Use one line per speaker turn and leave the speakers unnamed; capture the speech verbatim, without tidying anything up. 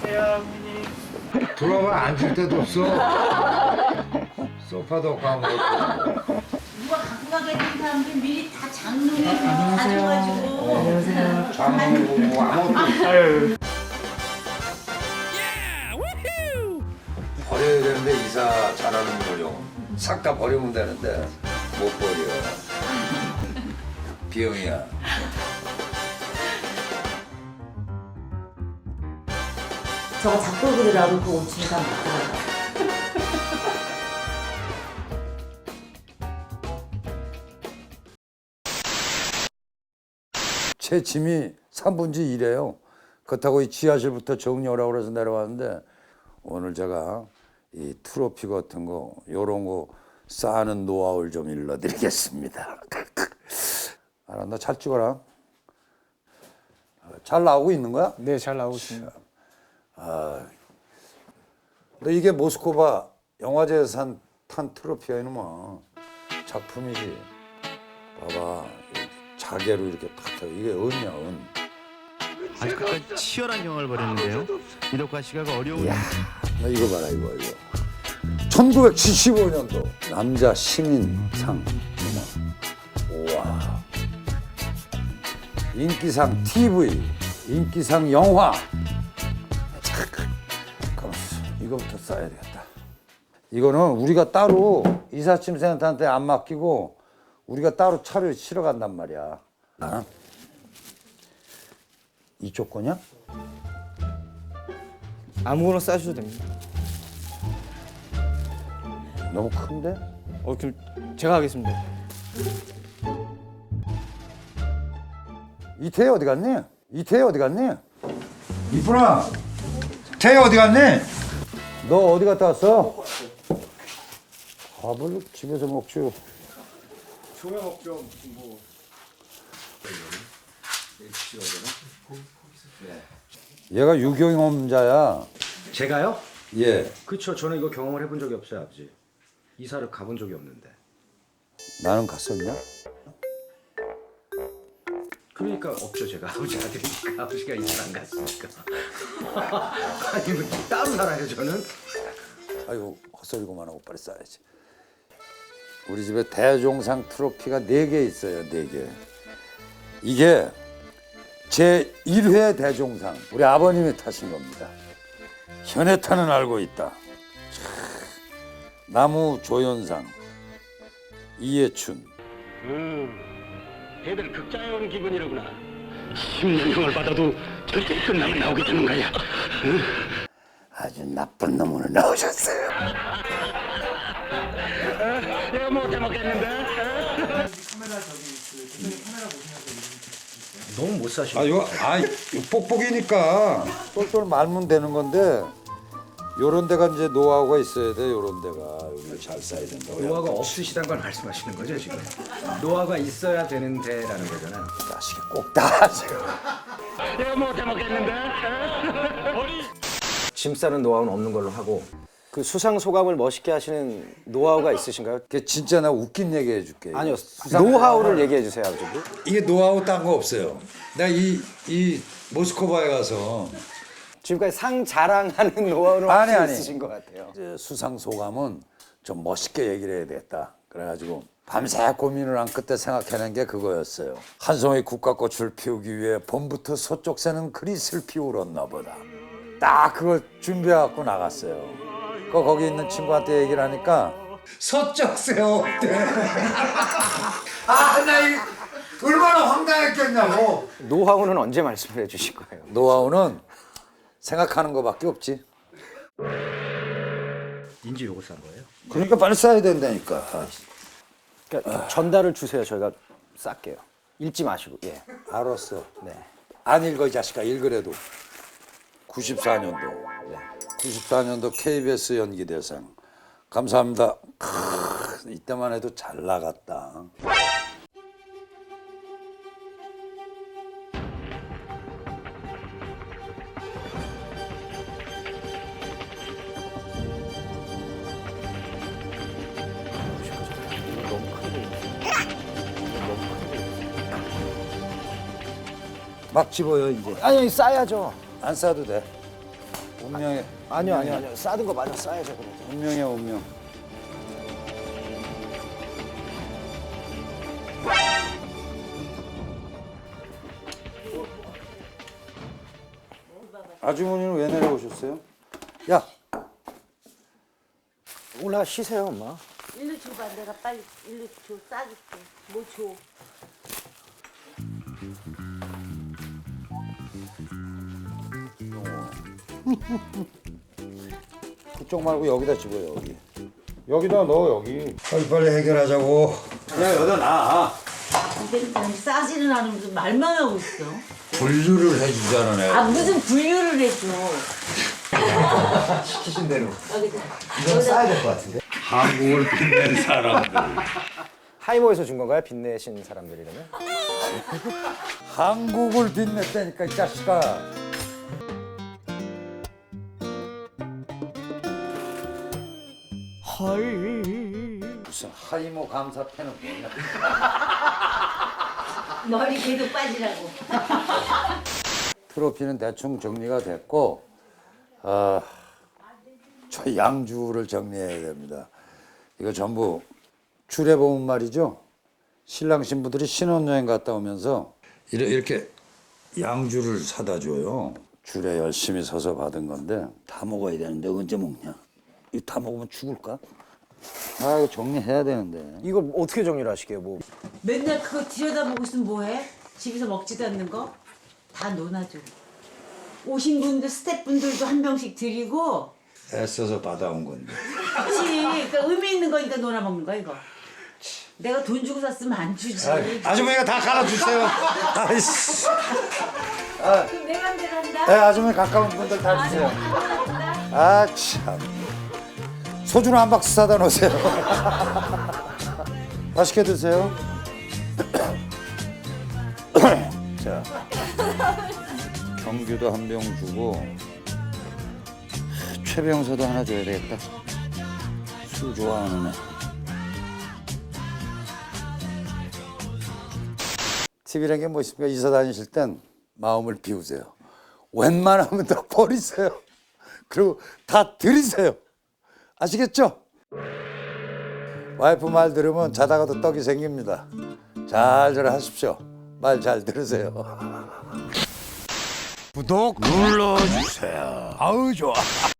들어와 앉을 데도 없어. 소파도 없고 아무것도.
누가 갖고 가겠다는 사람들 미리 다 장롱에 다 줘가지고. 안녕하세요.
장롱 아무것도 없어. 버려야 되는데 이사 잘하는 거요. 싹 다 버리면 되는데 못 버려. 비용이야.
저거 작별 그리라고 그 오치니까 못 들어가.
제 짐이 삼분지 일이에요. 그렇다고 이 지하실부터 정리하라고 그래서 내려왔는데 오늘 제가 이 트로피 같은 거 요런 거 쌓는 노하우를 좀 일러드리겠습니다. 알았나? 잘 찍어라. 잘 나오고 있는 거야?
네, 잘 나오고 있습니다.
너 이게 모스크바 영화제에서 산, 탄 트로피야 이놈아. 작품이지. 봐봐. 자개로 이렇게 탁 이게 은이야 은.
아직까지 치열한 경험을 벌였는데요. 이덕화 씨가 그 어려운
야, 나 이거 봐라 이거 이거. 천구백칠십오 년도 남자 신인상. 우와. 인기상 티비, 인기상 영화. 잠깐만, 이거부터 써야 되겠다. 이거는 우리가 따로 이삿짐 센터한테 안 맡기고 우리가 따로 차를 실어 간단 말이야. 나는 이쪽 거냐?
아무거나 싸셔도 됩니다.
너무 큰데?
어, 그럼 제가 하겠습니다.
이태희 어디 갔니? 이태희 어디 갔니? 이쁘나, 태희 어디 갔니? 너 어디 갔다 왔어? 밥을 집에서 먹죠.
조명 먹죠. 뭐.
얘가 유경험자야.
제가요?
예.
그렇죠. 저는 이거 경험을 해본 적이 없어요, 아버지. 이사를 가본 적이 없는데.
나는 갔었냐?
그러니까 없죠, 제가. 아버지 아들이니까 아버지가 이사를 안 갔으니까. 아니, 뭐 따로 살아요, 저는?
아이고 헛소리고만 하고 빨리 싸야지. 우리 집에 대종상 트로피가 네 개 있어요. 네 개. 이게 제일 회 대종상 우리 아버님이 타신 겁니다. 현해타는 알고 있다. 나무 조연상 이해춘.
음, 애들 극장에 온 기분이로구나. 십 년형을 받아도 절대 끝나면 나오게 되는 거야. 응?
아주 나쁜 놈으로 나오셨어요.
내가 못해 먹겠는데?
너무 못 사시고.
아, 요, 아, 요 뽁뽁이니까 똘똘 말면 되는 건데 요런 데가 이제 노하우가 있어야 돼. 요런 데가 여기 잘 쌓여야 된다고.
노화가 없으시다는 걸 말씀하시는 거죠, 지금? 노화가 있어야 되는데라는 거잖아요.
자식이 꼭 다 하세요.
내가 못해 먹겠는데?
짐 싸는 노하우는 없는 걸로 하고 그 수상 소감을 멋있게 하시는 노하우가 있으신가요?
그 진짜 나 웃긴 얘기 해줄게.
아니요,
수상-
노하우를 얘기해 주세요, 아버지.
이게 노하우 딴 거 없어요. 내가 이, 이 모스크바에 가서
지금까지 상 자랑하는 노하우는
아니,
혹시
아니.
있으신 것 같아요.
이제 수상 소감은 좀 멋있게 얘기를 해야 되겠다. 그래가지고 밤새 고민을 한 끝에 생각해낸 게 그거였어요. 한 송이 국화꽃을 피우기 위해 봄부터 서쪽 새는 그릿을 피우렀나 보다. 딱 그걸 준비해갖고 나갔어요. 그 거기 있는 친구한테 얘기를 하니까 서쪽 새 없대. 아, 나 이 얼마나 황당했겠냐고.
노하우는 언제 말씀을 해주실 거예요?
노하우는 생각하는 거밖에 없지.
인지 요거 싼 거예요?
그러니까 빨리 써야 된다니까.
그러니까 전달을 주세요. 저희가 쌀게요. 읽지 마시고. 예.
알았어.
네.
안 읽어 이 자식아. 읽으래도. 구십사 년도. 구십사 년도 케이비에스 연기대상. 감사합니다. 크, 이때만 해도 잘 나갔다. 막 집어요 이제.
아니, 싸야죠.
안 싸도 돼. 운명의
아니요 아니요 아니요 싸든 거 마저 싸야죠 그래도.
운명의 운명. 아주머니는 왜 내려오셨어요? 야,
올라 쉬세요 엄마.
일로 줘봐. 내가 빨리 일로 줘. 싸줄게. 뭐 줘.
그쪽 말고 여기다 집어요 여기. 여기다 넣어 여기. 빨리 빨리 해결하자고. 야 여기다 놔.
근데 난 싸지는 않으면서 말만 하고 있어.
분류를 해주잖아 내가.
아 무슨 분류를 해줘.
시키신 대로.
여기다.
이건 싸야 될 것 같은데.
한국을 빛낸 사람들.
하이모에서 준 건가요? 빚내신 사람들이라면?
한국을 빛냈다니까 이 자식아. 무슨 하이모 감사패는 뭐냐?
머리 계속 빠지라고.
트로피는 대충 정리가 됐고, 아, 저 양주를 정리해야 됩니다. 이거 전부 주례보험 말이죠. 신랑 신부들이 신혼여행 갔다 오면서 이렇게 양주를 사다 줘요. 줄에 열심히 서서 받은 건데 다 먹어야 되는데 언제 먹냐? 이거 다 먹으면 죽을까? 아 이거 정리해야 되는데.
이걸 어떻게 정리를 하시게요? 뭐
맨날 그거 들여다보고 있으면 뭐해? 집에서 먹지도 않는 거? 다 논아줘. 오신 분들, 스태프분들도 한 병씩 드리고.
애써서 받아온 건데.
그치. 그러니까 의미 있는 거니까 논아 먹는 거야 이거. 내가 돈 주고 샀으면 안 주지.
아주머니가 다 갈아주세요. 아이씨.
그럼 내 맘대로 한다?
네, 아주머니 가까운 분들 다 주세요. 아 참. 소주는 한 박스 사다 놓으세요. 맛있게 드세요. 자, 경규도 한 병 주고 최병서도 하나 줘야 되겠다. 술 좋아하는 애. 팁이라는 게 뭐 있습니까? 이사 다니실 땐 마음을 비우세요. 웬만하면 다 버리세요. 그리고 다 들이세요. 아시겠죠? 와이프 말 들으면 자다가도 떡이 생깁니다. 잘들 하십시오. 말 잘 들으세요. 구독 눌러주세요. 아우 좋아.